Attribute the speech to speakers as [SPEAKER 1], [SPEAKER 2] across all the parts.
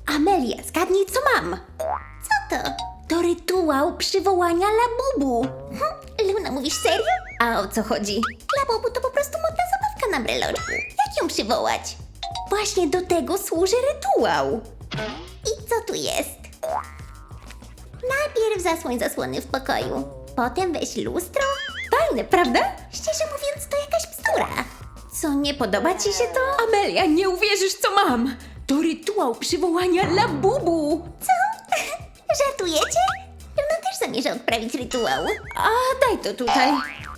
[SPEAKER 1] Amelia, zgadnij co mam. Co to? To rytuał przywołania Labubu. Luna, mówisz serio? A o co chodzi? Labubu to po prostu modna zabawka na breloczku. Jak ją przywołać? Właśnie do tego służy rytuał. I co tu jest? Najpierw zasłoń zasłony w pokoju. Potem weź lustro. Fajne, prawda? Szczerze mówiąc, to jakaś bzdura. Co, nie podoba ci się to?
[SPEAKER 2] Amelia, nie uwierzysz co mam! To rytuał przywołania Labubu!
[SPEAKER 1] Co? Żartujecie? Luna też zamierza odprawić rytuał.
[SPEAKER 2] A daj to tutaj.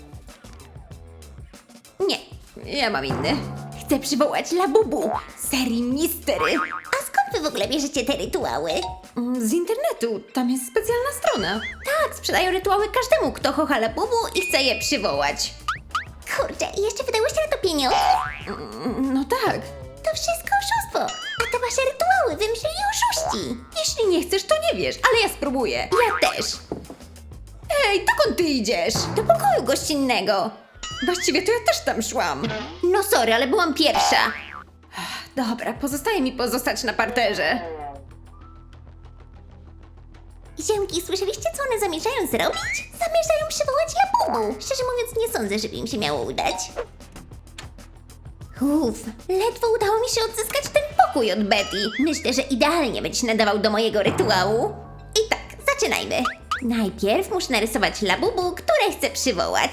[SPEAKER 2] Nie, ja mam inny. Chcę przywołać Labubu z serii Mistery.
[SPEAKER 1] A skąd wy w ogóle bierzecie te rytuały?
[SPEAKER 2] Z internetu, tam jest specjalna strona.
[SPEAKER 1] Tak, sprzedają rytuały każdemu, kto kocha Labubu i chce je przywołać. Kurczę, i jeszcze wydałyście na to pieniądze?
[SPEAKER 2] No tak.
[SPEAKER 1] To wszystko oszustwo. A te wasze rytuały wymyślili oszuści.
[SPEAKER 2] Jeśli nie chcesz, to nie wiesz, ale ja spróbuję.
[SPEAKER 1] Ja też.
[SPEAKER 2] Ej, dokąd ty idziesz?
[SPEAKER 1] Do pokoju gościnnego.
[SPEAKER 2] Właściwie to ja też tam szłam.
[SPEAKER 1] No sorry, ale byłam pierwsza.
[SPEAKER 2] Dobra, pozostaje mi pozostać na parterze.
[SPEAKER 1] Ziemki, słyszeliście, co one zamierzają zrobić? Zamierzają przywołać Labubu. Szczerze mówiąc, nie sądzę, żeby im się miało udać. Ledwo udało mi się odzyskać ten pokój od Betty. Myślę, że idealnie będzie się nadawał do mojego rytuału. I tak, zaczynajmy. Najpierw muszę narysować Labubu, które chcę przywołać.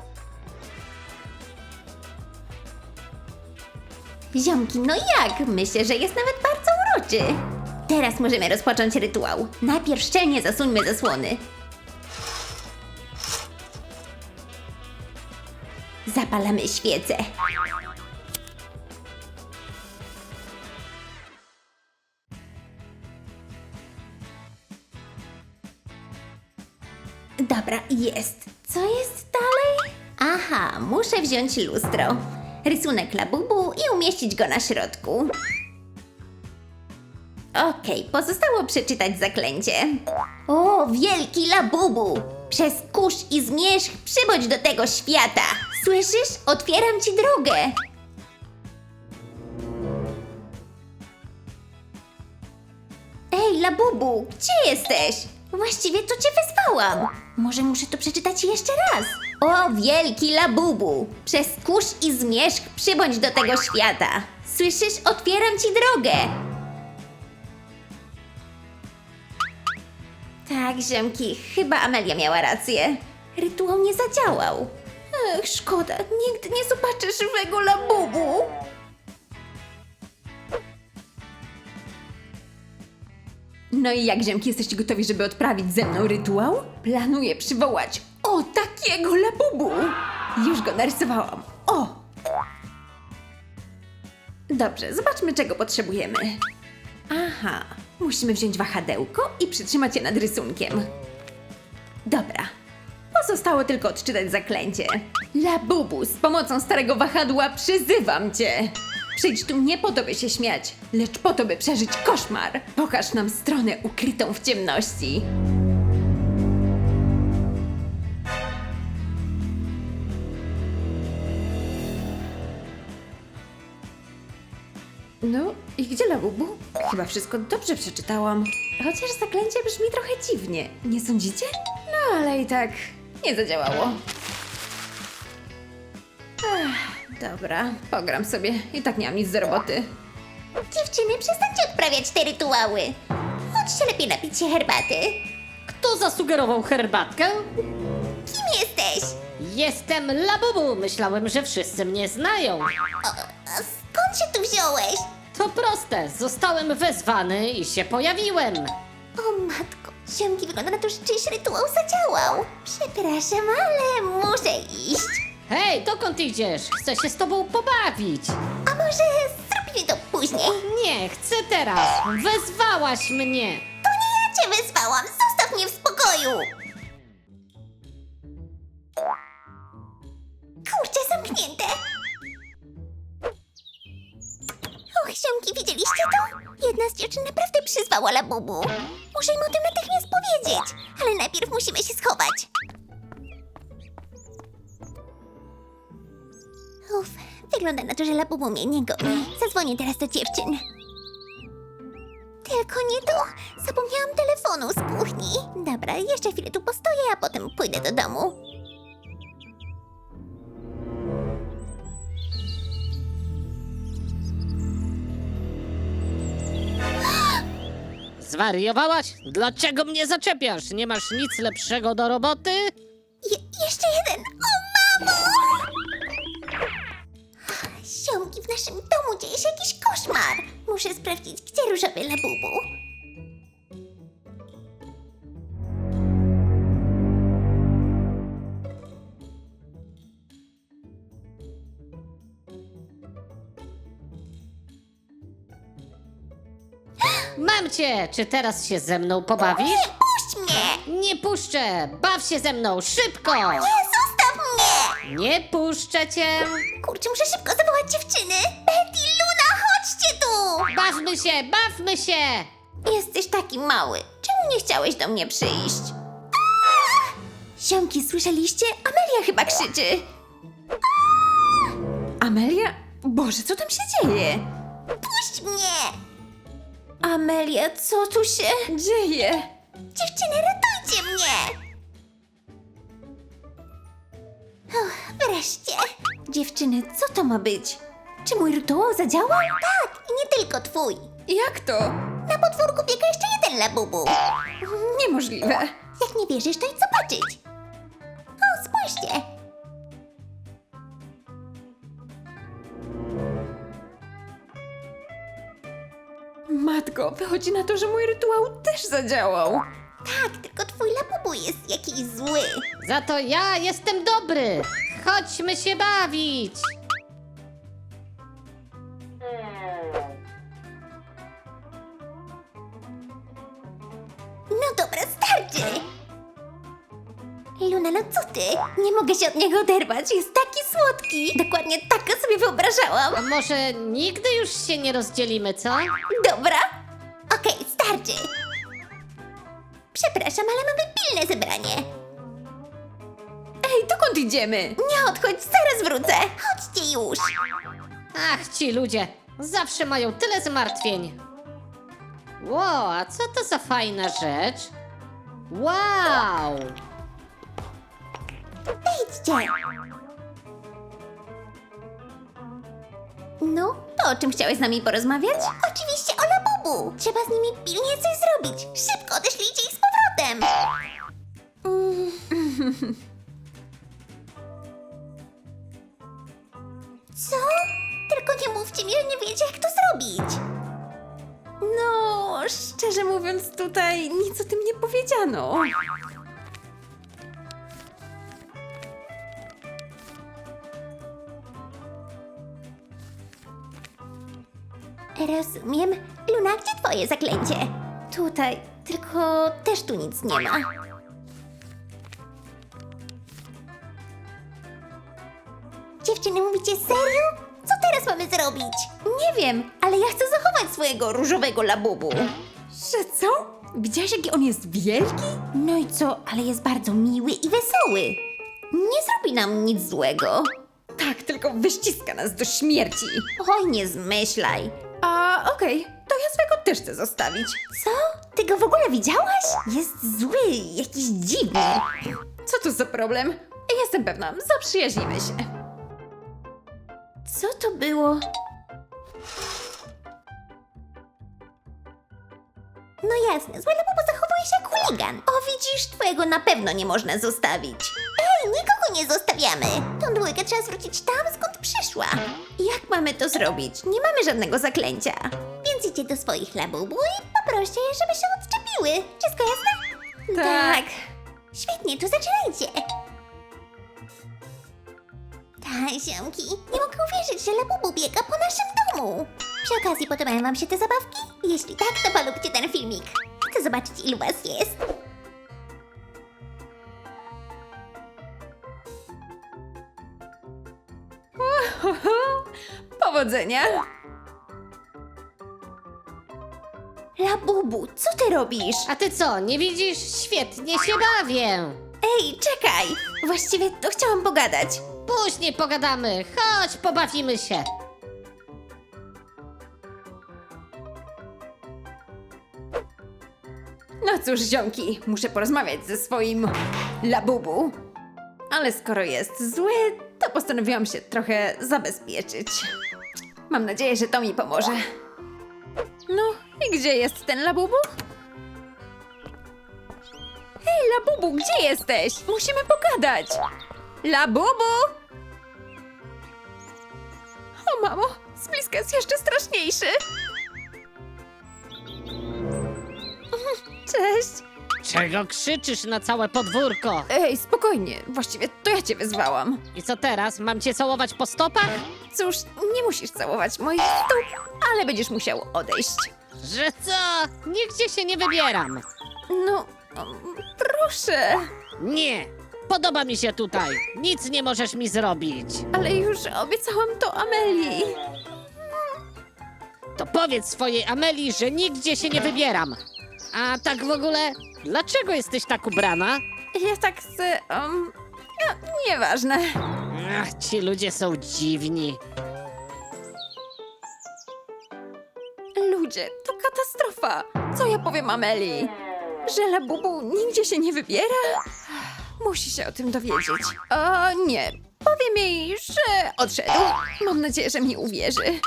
[SPEAKER 1] Ziomki, no jak? Myślę, że jest nawet bardzo uroczy. Teraz możemy rozpocząć rytuał. Najpierw szczelnie zasuńmy zasłony. Zapalamy świecę. Dobra, jest. Co jest dalej? Aha, muszę wziąć lustro. Rysunek Labubu i umieścić go na środku. Okej, pozostało przeczytać zaklęcie. O, wielki Labubu! Przez kurz i zmierzch przybądź do tego świata! Słyszysz? Otwieram ci drogę! Ej, Labubu, gdzie jesteś? Właściwie to cię wezwałam. Może muszę to przeczytać jeszcze raz. O, wielki Labubu! Przez kurz i zmierzch przybądź do tego świata! Słyszysz? Otwieram ci drogę! Tak, ziomki, chyba Amelia miała rację. Rytuał nie zadziałał. Ech, szkoda, nigdy nie zobaczę żywego Labubu.
[SPEAKER 2] No i jak, ziemki, jesteście gotowi, żeby odprawić ze mną rytuał? Planuję przywołać takiego Labubu. Już go narysowałam. O! Dobrze, zobaczmy, czego potrzebujemy. Aha, musimy wziąć wahadełko i przytrzymać je nad rysunkiem. Dobra, pozostało tylko odczytać zaklęcie. Labubu, z pomocą starego wahadła przyzywam cię. Przyjdź tu nie po to, by się śmiać, lecz po to, by przeżyć koszmar. Pokaż nam stronę ukrytą w ciemności. No i gdzie Labubu? Chyba wszystko dobrze przeczytałam. Chociaż zaklęcie brzmi trochę dziwnie, nie sądzicie? No ale i tak nie zadziałało. Dobra, pogram sobie. I tak nie mam nic do roboty.
[SPEAKER 1] Dziewczyny, przestańcie odprawiać te rytuały. Chodźcie lepiej napić się herbaty.
[SPEAKER 3] Kto zasugerował herbatkę?
[SPEAKER 1] Kim jesteś?
[SPEAKER 3] Jestem Labubu. Myślałem, że wszyscy mnie znają.
[SPEAKER 1] A skąd się tu wziąłeś?
[SPEAKER 3] To proste. Zostałem wezwany i się pojawiłem.
[SPEAKER 1] O matko, ziomki, wygląda na to, że czyjś rytuał zadziałał. Przepraszam, ale muszę iść.
[SPEAKER 3] Hej, dokąd idziesz? Chcę się z tobą pobawić.
[SPEAKER 1] A może zrobimy to później?
[SPEAKER 3] Nie, chcę teraz. Wezwałaś mnie.
[SPEAKER 1] To nie ja cię wezwałam, zostaw mnie w spokoju! Kurczę, zamknięte! Och, ziomki, widzieliście to? Jedna z dziewczyn naprawdę przyzwała Labubu. Muszę im o tym natychmiast powiedzieć, ale najpierw musimy się schować. Uff, wygląda na to, że Labubu mnie nie goni. Zadzwonię teraz do dziewczyn. Te Tylko nie to. Zapomniałam telefonu z kuchni. Dobra, jeszcze chwilę tu postoję, a potem pójdę do domu.
[SPEAKER 3] Zwariowałaś? Dlaczego mnie zaczepiasz? Nie masz nic lepszego do roboty?
[SPEAKER 1] Jeszcze jeden. O, mamo! Ziomki, w naszym domu dzieje się jakiś koszmar. Muszę sprawdzić, gdzie różowy labubu.
[SPEAKER 3] Mam cię! Czy teraz się ze mną pobawisz?
[SPEAKER 1] Puść mnie!
[SPEAKER 3] Nie puszczę! Baw się ze mną! Szybko!
[SPEAKER 1] Nie, zostaw mnie!
[SPEAKER 3] Nie puszczę cię!
[SPEAKER 1] Kurczę, muszę szybko zawołać dziewczyny. Betty, Luna, chodźcie tu!
[SPEAKER 3] Bawmy się! Bawmy się!
[SPEAKER 1] Jesteś taki mały. Czemu nie chciałeś do mnie przyjść? Ziomki, słyszeliście? Amelia chyba krzyczy.
[SPEAKER 2] Amelia? Boże, co tam się dzieje?
[SPEAKER 1] Puść mnie! Amelia, co tu się...
[SPEAKER 2] Dzieje?
[SPEAKER 1] Dziewczyny, ratujcie mnie! Wreszcie.
[SPEAKER 2] Dziewczyny, co to ma być? Czy mój rytuał zadziałał?
[SPEAKER 1] Tak, i nie tylko twój.
[SPEAKER 2] Jak to?
[SPEAKER 1] Na podwórku biega jeszcze jeden labubu.
[SPEAKER 2] Niemożliwe.
[SPEAKER 1] Jak nie wierzysz, to idź zobaczyć. O, spójrzcie.
[SPEAKER 2] Matko, wychodzi na to, że mój rytuał też zadziałał.
[SPEAKER 1] Tak, tylko twój labubu jest jakiś zły.
[SPEAKER 3] Za to ja jestem dobry! Chodźmy się bawić!
[SPEAKER 1] No dobra, starczy. Luna, no co ty? Nie mogę się od niego oderwać, jest taki słodki. Dokładnie tak go sobie wyobrażałam.
[SPEAKER 3] A może nigdy już się nie rozdzielimy, co?
[SPEAKER 1] Dobra. Okej, starczy. Przepraszam, ale mamy pilne zebranie.
[SPEAKER 2] Ej, dokąd idziemy?
[SPEAKER 1] Nie odchodź, zaraz wrócę. Chodźcie już.
[SPEAKER 3] Ach, ci ludzie! Zawsze mają tyle zmartwień! Wow, a co to za fajna rzecz? Wow!
[SPEAKER 1] Wejdźcie. No, to o czym chciałeś z nami porozmawiać? Oczywiście o labubu. Trzeba z nimi pilnie coś zrobić. Szybko odeślijcie ich z powrotem. Co? Tylko nie mówcie mi, że nie wiecie, jak to zrobić.
[SPEAKER 2] No, szczerze mówiąc, tutaj nic o tym nie powiedziano.
[SPEAKER 1] Rozumiem. Luna, gdzie twoje zaklęcie? Tutaj, tylko też tu nic nie ma. Dziewczyny, mówicie serio? Co teraz mamy zrobić? Nie wiem, ale ja chcę zachować swojego różowego labubu.
[SPEAKER 2] Że co? Widziałaś, jaki on jest wielki?
[SPEAKER 1] No i co, ale jest bardzo miły i wesoły. Nie zrobi nam nic złego.
[SPEAKER 2] Tak, tylko wyściska nas do śmierci.
[SPEAKER 1] Oj, nie zmyślaj.
[SPEAKER 2] A, okej, to ja swego też chcę zostawić.
[SPEAKER 1] Co? Ty go w ogóle widziałaś? Jest zły, jakiś dziwny.
[SPEAKER 2] Co to za problem? Jestem pewna, zaprzyjaźnimy się.
[SPEAKER 1] Co to było? No jasne, zły labubu zachowuje się jak chuligan. O, widzisz, twojego na pewno nie można zostawić. Ej, nikogo nie zostawiamy. Tą dwójkę trzeba zwrócić tam, skąd przyszła.
[SPEAKER 2] Jak mamy to zrobić? Nie mamy żadnego zaklęcia.
[SPEAKER 1] Więc idźcie do swoich labubu i poproście je, żeby się odczepiły. Wszystko jasne?
[SPEAKER 2] Tak.
[SPEAKER 1] Świetnie, to zaczynajcie. Tak, ziomki, nie mogę uwierzyć, że labubu biega po naszym domu. Przy okazji podobają wam się te zabawki? Jeśli tak, to polubcie ten filmik. Chcę zobaczyć, ilu was jest.
[SPEAKER 2] Powodzenia. Labubu, co ty robisz?
[SPEAKER 3] A ty co, nie widzisz? Świetnie się bawię!
[SPEAKER 2] Ej, czekaj! Właściwie to chciałam pogadać.
[SPEAKER 3] Później pogadamy, chodź, pobawimy się!
[SPEAKER 2] No cóż, ziomki, muszę porozmawiać ze swoim Labubu. Ale skoro jest zły, to postanowiłam się trochę zabezpieczyć. Mam nadzieję, że to mi pomoże. No, i gdzie jest ten Labubu? Hej, Labubu, gdzie jesteś? Musimy pogadać. Labubu! O, mamo, z bliska jest jeszcze straszniejszy. Cześć.
[SPEAKER 3] Czego krzyczysz na całe podwórko?
[SPEAKER 2] Ej, spokojnie, właściwie to ja cię wyzwałam.
[SPEAKER 3] I co teraz? Mam cię całować po stopach?
[SPEAKER 2] Cóż, nie musisz całować moich stóp, ale będziesz musiał odejść.
[SPEAKER 3] Że co? Nigdzie się nie wybieram.
[SPEAKER 2] No, proszę,
[SPEAKER 3] Nie! Podoba mi się tutaj. Nic nie możesz mi zrobić.
[SPEAKER 2] ale już obiecałam to Amelii.
[SPEAKER 3] To powiedz swojej Amelii, że nigdzie się nie wybieram. A tak w ogóle, dlaczego jesteś tak ubrana?
[SPEAKER 2] Ja tak chcę, no, nieważne.
[SPEAKER 3] Ach, ci ludzie są dziwni.
[SPEAKER 2] Ludzie, to katastrofa. Co ja powiem Amelii? Że Labubu nigdzie się nie wybiera? Musi się o tym dowiedzieć. O nie, powiem jej, że odszedł. Mam nadzieję, że mi uwierzy.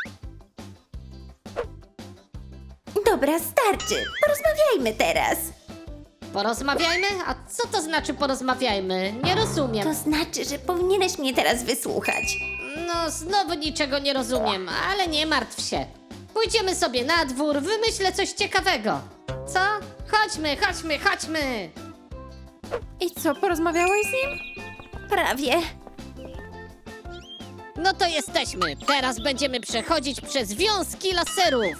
[SPEAKER 1] Dobra, starczy. Porozmawiajmy teraz.
[SPEAKER 3] Porozmawiajmy? A co to znaczy porozmawiajmy? Nie rozumiem.
[SPEAKER 1] To znaczy, że powinieneś mnie teraz wysłuchać.
[SPEAKER 3] No, znowu niczego nie rozumiem, ale nie martw się. Pójdziemy sobie na dwór, wymyślę coś ciekawego. Co? Chodźmy, chodźmy, chodźmy!
[SPEAKER 2] I co, porozmawiałeś z nim?
[SPEAKER 1] Prawie.
[SPEAKER 3] No to jesteśmy. Teraz będziemy przechodzić przez wiązki laserów.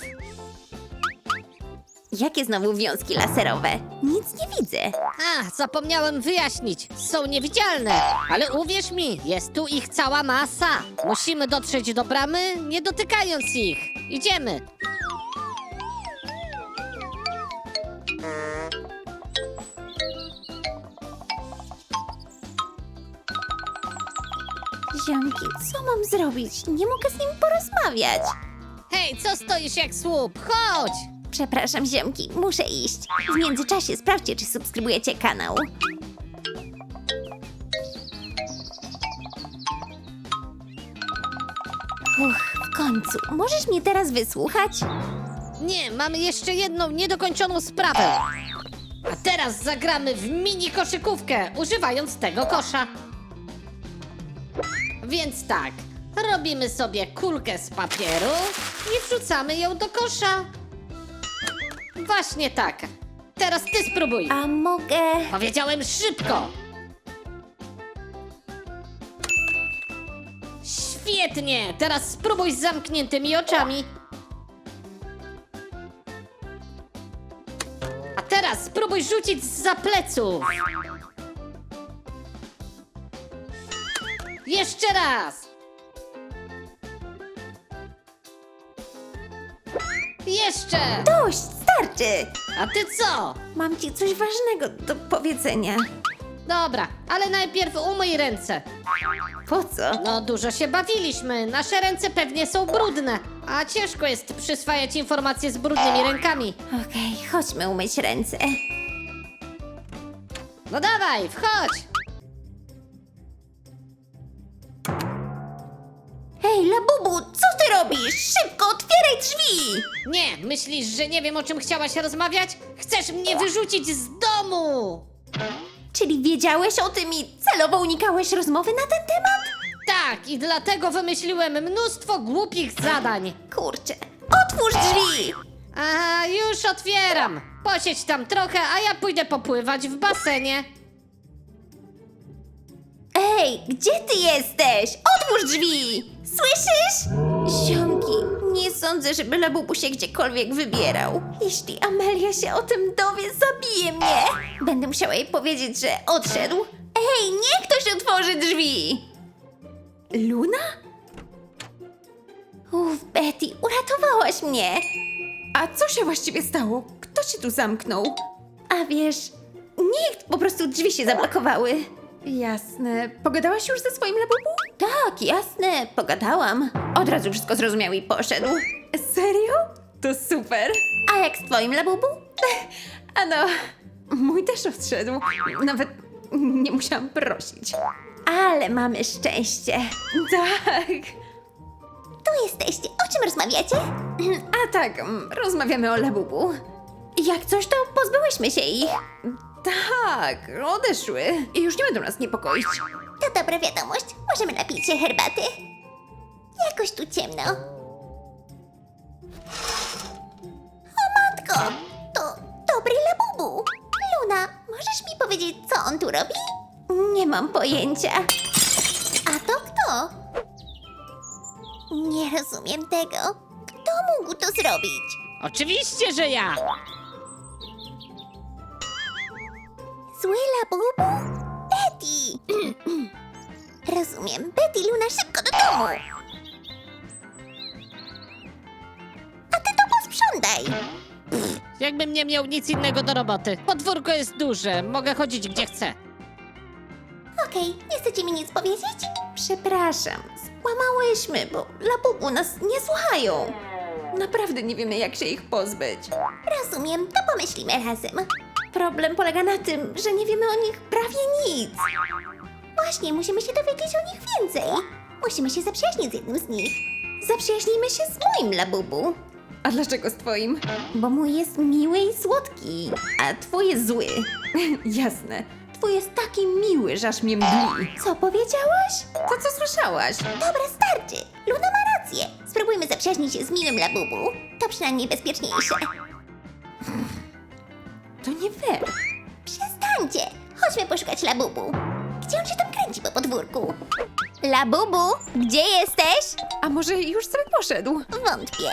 [SPEAKER 1] Jakie znowu wiązki laserowe? Nic nie widzę.
[SPEAKER 3] A, zapomniałem wyjaśnić. Są niewidzialne, ale uwierz mi, jest tu ich cała masa. Musimy dotrzeć do bramy, nie dotykając ich. Idziemy.
[SPEAKER 1] Ziomki, co mam zrobić? Nie mogę z nim porozmawiać.
[SPEAKER 3] Hej, co stoisz jak słup? Chodź!
[SPEAKER 1] Przepraszam, ziomki, muszę iść. W międzyczasie sprawdźcie, czy subskrybujecie kanał. W końcu. Możesz mnie teraz wysłuchać?
[SPEAKER 3] Nie, mamy jeszcze jedną niedokończoną sprawę. A teraz zagramy w mini koszykówkę, używając tego kosza. Więc tak, robimy sobie kulkę z papieru i wrzucamy ją do kosza. Właśnie tak. Teraz ty spróbuj.
[SPEAKER 1] A mogę...
[SPEAKER 3] Powiedziałem szybko. Świetnie, teraz spróbuj z zamkniętymi oczami. A teraz spróbuj rzucić zza pleców. Jeszcze raz. Jeszcze.
[SPEAKER 1] Dość, starczy!
[SPEAKER 3] A ty co?
[SPEAKER 1] Mam ci coś ważnego do powiedzenia.
[SPEAKER 3] Dobra, ale najpierw umyj ręce.
[SPEAKER 1] Po co?
[SPEAKER 3] No dużo się bawiliśmy, nasze ręce pewnie są brudne, a ciężko jest przyswajać informacje z brudnymi rękami.
[SPEAKER 1] Okej, chodźmy umyć ręce.
[SPEAKER 3] No dawaj, wchodź!
[SPEAKER 1] Hej, Labubu, co ty robisz? Szybko, otwieraj drzwi!
[SPEAKER 3] Nie, myślisz, że nie wiem, o czym chciałaś rozmawiać? Chcesz mnie wyrzucić z domu!
[SPEAKER 1] Czyli wiedziałeś o tym i celowo unikałeś rozmowy na ten temat?
[SPEAKER 3] Tak, i dlatego wymyśliłem mnóstwo głupich zadań.
[SPEAKER 1] Kurczę, otwórz drzwi!
[SPEAKER 3] A już otwieram. Posiedź tam trochę, a ja pójdę popływać w basenie.
[SPEAKER 1] Ej, gdzie ty jesteś? Otwórz drzwi! Słyszysz? Ziomki, nie sądzę, żeby Labubu się gdziekolwiek wybierał. Jeśli Amelia się o tym dowie, zabije mnie. Będę musiała jej powiedzieć, że odszedł. Ej, niech ktoś otworzy drzwi!
[SPEAKER 2] Luna?
[SPEAKER 1] Betty, uratowałaś mnie.
[SPEAKER 2] A co się właściwie stało? Kto cię tu zamknął?
[SPEAKER 1] A wiesz, nikt, po prostu drzwi się zablokowały.
[SPEAKER 2] Jasne. Pogadałaś już ze swoim Labubu?
[SPEAKER 1] Tak, jasne, pogadałam. Od razu wszystko zrozumiał i poszedł.
[SPEAKER 2] Serio? To super.
[SPEAKER 1] A jak z twoim Labubu?
[SPEAKER 2] A no, mój też odszedł. Nawet nie musiałam prosić. Ale mamy szczęście. Tak.
[SPEAKER 1] Tu jesteście. O czym rozmawiacie?
[SPEAKER 2] A tak, rozmawiamy o Labubu. Jak coś, to pozbyłyśmy się ich. Tak, odeszły i już nie będą nas niepokoić.
[SPEAKER 1] To dobra wiadomość. Możemy napić się herbaty? Jakoś tu ciemno. O matko! To dobry Labubu. Luna, możesz mi powiedzieć, co on tu robi?
[SPEAKER 2] Nie mam pojęcia.
[SPEAKER 1] A to kto? Nie rozumiem tego. Kto mógł to zrobić?
[SPEAKER 3] Oczywiście, że ja!
[SPEAKER 1] Zły Labubu? Betty! Rozumiem. Betty, Luna, szybko do domu! A ty to posprzątaj!
[SPEAKER 3] Jakbym nie miał nic innego do roboty. Podwórko jest duże, mogę chodzić gdzie chcę.
[SPEAKER 1] Okej, nie chcecie mi nic powiedzieć?
[SPEAKER 2] Przepraszam, skłamałyśmy, bo Labubu nas nie słuchają. Naprawdę nie wiemy, jak się ich pozbyć.
[SPEAKER 1] Rozumiem, to pomyślimy razem.
[SPEAKER 2] Problem polega na tym, że nie wiemy o nich prawie nic.
[SPEAKER 1] Właśnie, musimy się dowiedzieć o nich więcej. Musimy się zaprzyjaźnić z jednym z nich.
[SPEAKER 2] Zaprzyjaźnijmy się z moim Labubu. A dlaczego z twoim? Bo mój jest miły i słodki, a twój jest zły. Jasne. Twój jest taki miły, że aż mnie mdli. Co powiedziałaś? To co słyszałaś?
[SPEAKER 1] Dobra, starczy. Luna ma rację. Spróbujmy zaprzyjaźnić się z miłym Labubu. To przynajmniej bezpieczniejsze.
[SPEAKER 2] To nie fair.
[SPEAKER 1] Przestańcie! Chodźmy poszukać Labubu. Gdzie on się tam kręci po podwórku? Labubu, gdzie jesteś?
[SPEAKER 2] A może już sobie poszedł?
[SPEAKER 1] Wątpię.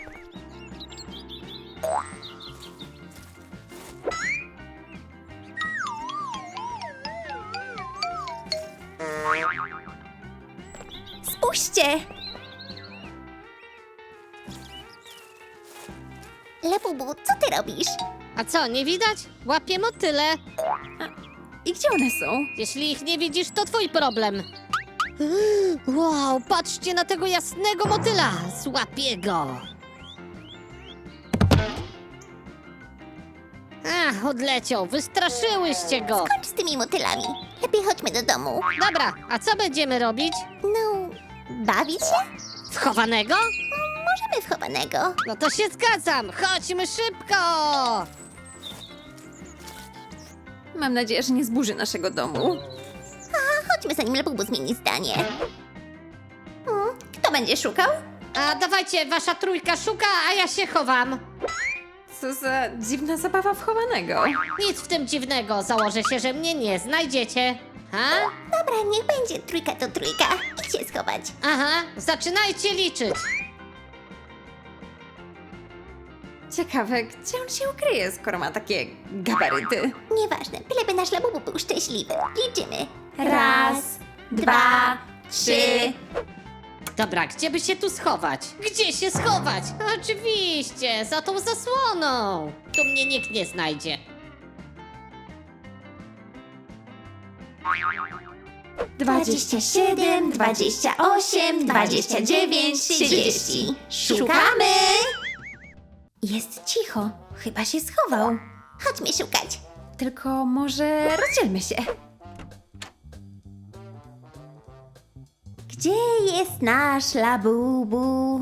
[SPEAKER 1] Spójrzcie! Labubu, co ty robisz?
[SPEAKER 3] A co, nie widać? Łapię motyle.
[SPEAKER 2] I gdzie one są?
[SPEAKER 3] Jeśli ich nie widzisz, to twój problem. Wow, patrzcie na tego jasnego motyla! Złapię go! Ach, odleciał, wystraszyłyście go!
[SPEAKER 1] Kończ z tymi motylami. Lepiej chodźmy do domu.
[SPEAKER 3] Dobra, a co będziemy robić?
[SPEAKER 1] No, bawić się?
[SPEAKER 3] Wchowanego?
[SPEAKER 1] Możemy w chowanego.
[SPEAKER 3] No to się zgadzam, chodźmy szybko!
[SPEAKER 2] Mam nadzieję, że nie zburzy naszego domu.
[SPEAKER 1] Chodźmy, zanim Labubu zmieni zdanie.
[SPEAKER 2] Kto będzie szukał?
[SPEAKER 3] A dawajcie, wasza trójka szuka, a ja się chowam.
[SPEAKER 2] Co za dziwna zabawa wchowanego.
[SPEAKER 3] Nic w tym dziwnego, założę się, że mnie nie znajdziecie. Ha?
[SPEAKER 1] Dobra, niech będzie. Trójka to trójka. Idź się schować.
[SPEAKER 3] Aha, zaczynajcie liczyć.
[SPEAKER 2] Ciekawe, gdzie on się ukryje, skoro ma takie gabaryty.
[SPEAKER 1] Nieważne, byleby nasz Labubu był szczęśliwy. Liczymy.
[SPEAKER 2] 1, 2, 3.
[SPEAKER 3] Dobra, gdzie by się tu schować? Gdzie się schować? Oczywiście, za tą zasłoną. Tu mnie nikt nie znajdzie.
[SPEAKER 2] 27, 28, 29, 30. Szukamy! Jest cicho. Chyba się schował.
[SPEAKER 1] Chodźmy szukać.
[SPEAKER 2] Tylko może rozdzielmy się.
[SPEAKER 1] Gdzie jest nasz Labubu?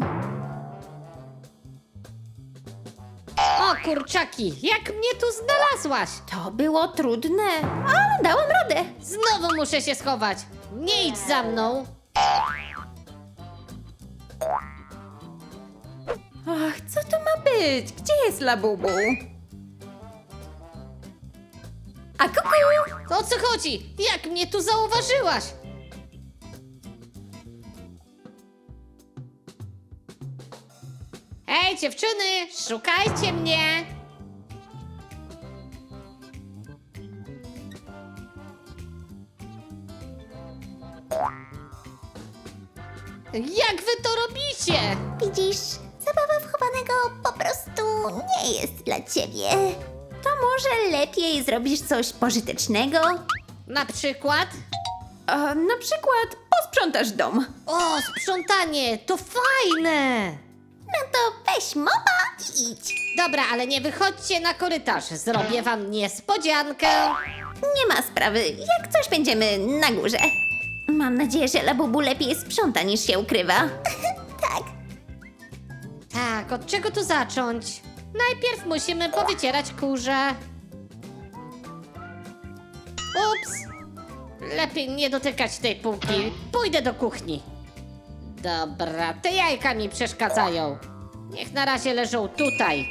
[SPEAKER 3] O kurczaki, jak mnie tu znalazłaś?
[SPEAKER 2] To było trudne, ale dałam radę.
[SPEAKER 3] Znowu muszę się schować. Nie idź za mną.
[SPEAKER 2] Ach, co to ma być? Gdzie jest Labubu? A kuku!
[SPEAKER 3] To o co chodzi? Jak mnie tu zauważyłaś? Hej dziewczyny, szukajcie mnie! Jak wy to robicie?
[SPEAKER 1] Widzisz, zabawa w chowanego po prostu nie jest dla ciebie.
[SPEAKER 2] To może lepiej zrobisz coś pożytecznego?
[SPEAKER 3] Na przykład?
[SPEAKER 2] Na przykład posprzątasz dom.
[SPEAKER 3] O, sprzątanie, to fajne!
[SPEAKER 1] No to weź mopa i idź.
[SPEAKER 3] Dobra, ale nie wychodźcie na korytarz. Zrobię wam niespodziankę.
[SPEAKER 1] Nie ma sprawy, jak coś będziemy na górze. Mam nadzieję, że Labubu lepiej sprząta niż się ukrywa. Tak.
[SPEAKER 3] Tak, od czego tu zacząć? Najpierw musimy powycierać kurze. Ups! Lepiej nie dotykać tej półki. Pójdę do kuchni. Dobra, te jajka mi przeszkadzają. Niech na razie leżą tutaj.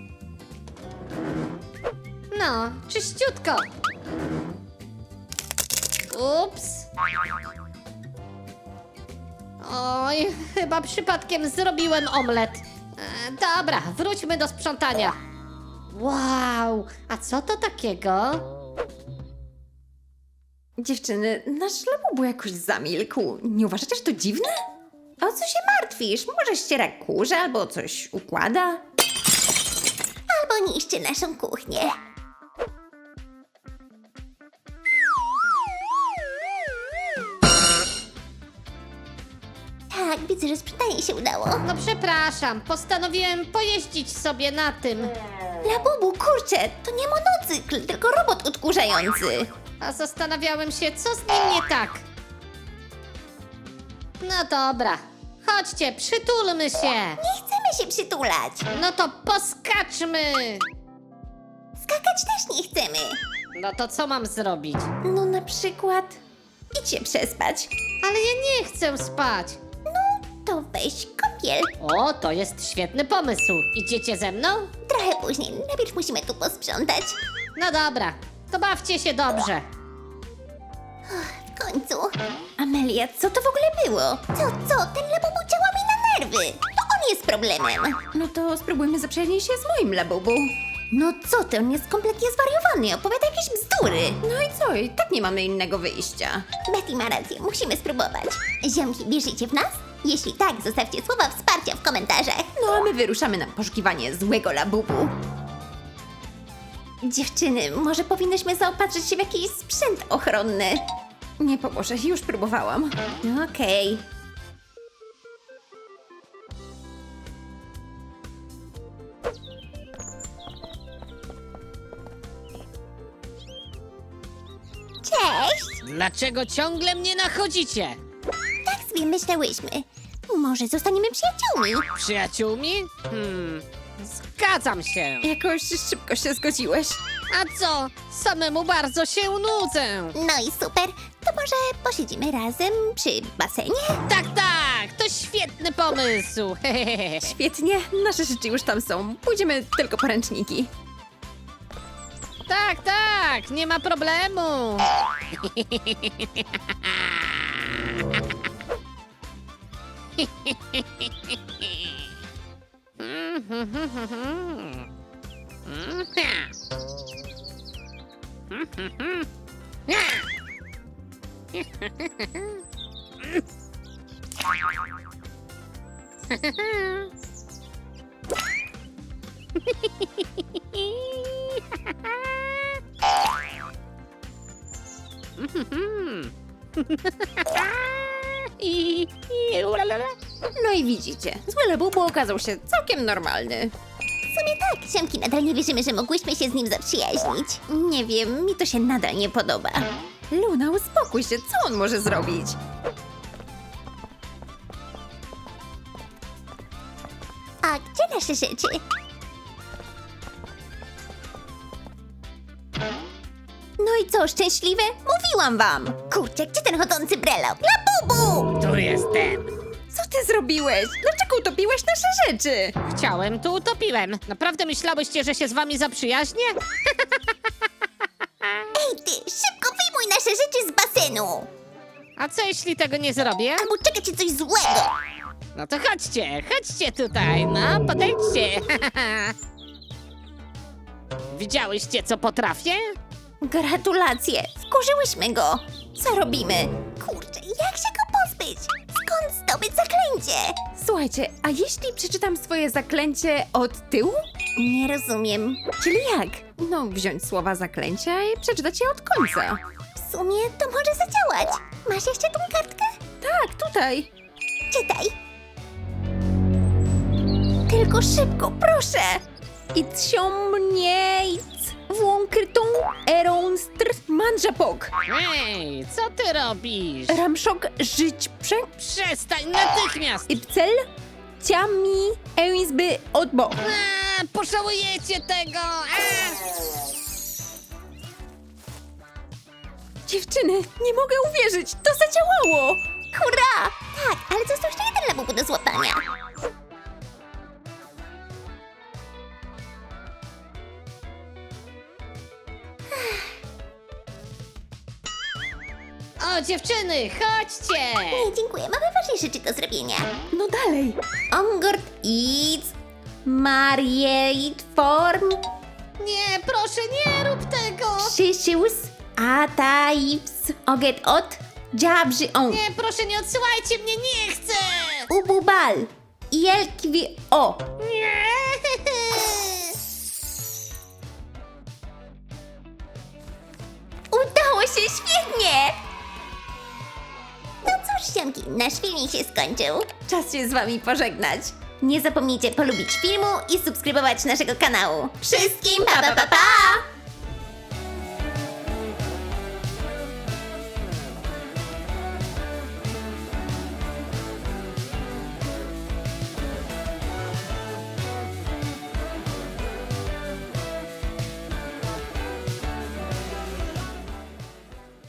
[SPEAKER 3] No, czyściutko. Ups. Oj, chyba przypadkiem zrobiłem omlet. Dobra, wróćmy do sprzątania. Wow, a co to takiego?
[SPEAKER 2] Dziewczyny, nasz Labubu jakoś zamilkł. Nie uważacie, że to dziwne?
[SPEAKER 1] O co się martwisz? Może ściera kurze albo coś układa? Albo niszczy naszą kuchnię. Tak, widzę, że sprzątanie się udało.
[SPEAKER 3] No przepraszam, postanowiłem pojeździć sobie na tym.
[SPEAKER 1] Labubu, kurczę, to nie monocykl, tylko robot odkurzający.
[SPEAKER 3] A zastanawiałem się, co z nim nie tak. No dobra, chodźcie, przytulmy się.
[SPEAKER 1] Nie chcemy się przytulać.
[SPEAKER 3] No to poskaczmy.
[SPEAKER 1] Skakać też nie chcemy.
[SPEAKER 3] No to co mam zrobić?
[SPEAKER 1] No na przykład idź się przespać.
[SPEAKER 3] Ale ja nie chcę spać.
[SPEAKER 1] To weź kąpiel.
[SPEAKER 3] O, to jest świetny pomysł. Idziecie ze mną?
[SPEAKER 1] Trochę później, najpierw musimy tu posprzątać.
[SPEAKER 3] No dobra, to bawcie się dobrze.
[SPEAKER 1] W końcu. Amelia, co to w ogóle było? Co? Ten Labubu działa mi na nerwy. To on jest problemem.
[SPEAKER 2] No to spróbujmy zaprzyjaźnić się z moim Labubu.
[SPEAKER 1] No co ty, on jest kompletnie zwariowany, opowiada jakieś bzdury.
[SPEAKER 2] No i co? I tak nie mamy innego wyjścia.
[SPEAKER 1] Betty ma rację, musimy spróbować. Ziomki, wierzycie w nas? Jeśli tak, zostawcie słowa wsparcia w komentarzach.
[SPEAKER 2] No a my wyruszamy na poszukiwanie złego Labubu.
[SPEAKER 1] Dziewczyny, może powinnyśmy zaopatrzyć się w jakiś sprzęt ochronny.
[SPEAKER 2] Nie pomoże, już próbowałam.
[SPEAKER 1] Okej. Cześć!
[SPEAKER 3] Dlaczego ciągle mnie nachodzicie?
[SPEAKER 1] Tak sobie myślałyśmy. Może zostaniemy przyjaciółmi?
[SPEAKER 3] Przyjaciółmi? Zgadzam się.
[SPEAKER 2] Jakoś szybko się zgodziłeś.
[SPEAKER 3] A co? Samemu bardzo się nudzę.
[SPEAKER 1] No i super. To może posiedzimy razem przy basenie?
[SPEAKER 3] Tak, tak, to świetny pomysł.
[SPEAKER 2] Świetnie, nasze rzeczy już tam są. Pójdziemy tylko po ręczniki.
[SPEAKER 3] Tak, tak, nie ma problemu.
[SPEAKER 2] No i widzicie, zły Labubu okazał się całkiem normalny.
[SPEAKER 1] W sumie tak, ziomki, nadal nie wierzymy, że mogłyśmy się z nim zaprzyjaźnić. Nie wiem, mi to się nadal nie podoba.
[SPEAKER 2] Luna, uspokój się, co on może zrobić?
[SPEAKER 1] A gdzie nasze rzeczy? No i co, szczęśliwe? Mówiłam wam! Kurczę, gdzie ten chodzący brelok? Labubu!
[SPEAKER 3] Tu jestem.
[SPEAKER 2] Co ty zrobiłeś? Dlaczego utopiłeś nasze rzeczy?
[SPEAKER 3] Chciałem, tu utopiłem. Naprawdę myślałyście, że się z wami zaprzyjaźnię?
[SPEAKER 1] Ej ty, szybko wyjmuj nasze rzeczy z basenu!
[SPEAKER 3] A co jeśli tego nie zrobię?
[SPEAKER 1] Albo czeka cię coś złego!
[SPEAKER 3] No to chodźcie, chodźcie tutaj, no podejdźcie. Widziałyście, co potrafię?
[SPEAKER 1] Gratulacje, wkurzyłyśmy go! Co robimy? Kurczę, jak się go pozbyć? Skąd zdobyć zaklęcie?
[SPEAKER 2] Słuchajcie, a jeśli przeczytam swoje zaklęcie od tyłu?
[SPEAKER 1] Nie rozumiem.
[SPEAKER 2] Czyli jak? No, wziąć słowa zaklęcia i przeczytać je od końca.
[SPEAKER 1] W sumie to może zadziałać. Masz jeszcze tą kartkę?
[SPEAKER 2] Tak, tutaj.
[SPEAKER 1] Czytaj. Tylko szybko, proszę!
[SPEAKER 2] Itsiomniejc, włąkrytą, eronstr, manżapok,
[SPEAKER 3] Ej, co ty robisz?
[SPEAKER 2] ramszok, żyć,
[SPEAKER 3] Przestań natychmiast!
[SPEAKER 2] ipcel, ciami, eizby, odbo.
[SPEAKER 3] Pożałujecie tego!
[SPEAKER 2] Dziewczyny, nie mogę uwierzyć, to zadziałało!
[SPEAKER 1] Hurra! Tak, ale został jeszcze jeden Labubu do złapania.
[SPEAKER 3] O, dziewczyny, chodźcie!
[SPEAKER 1] Nie, dziękuję, mamy ważniejsze rzeczy do zrobienia.
[SPEAKER 2] No dalej.
[SPEAKER 1] Ongord eats, Marieit form,
[SPEAKER 3] Nie, proszę, nie rób tego!
[SPEAKER 1] Szysius, Ataips, Oget ot, Dziabrzy on,
[SPEAKER 3] Nie, proszę, nie odsyłajcie mnie, nie chcę!
[SPEAKER 1] Ububal, Jelkwi o.
[SPEAKER 3] Nie!
[SPEAKER 1] Udało się, świetnie! No cóż, ziomki, nasz filmik się skończył.
[SPEAKER 2] Czas się z wami pożegnać.
[SPEAKER 1] Nie zapomnijcie polubić filmu i subskrybować naszego kanału. Wszystkim pa pa pa pa!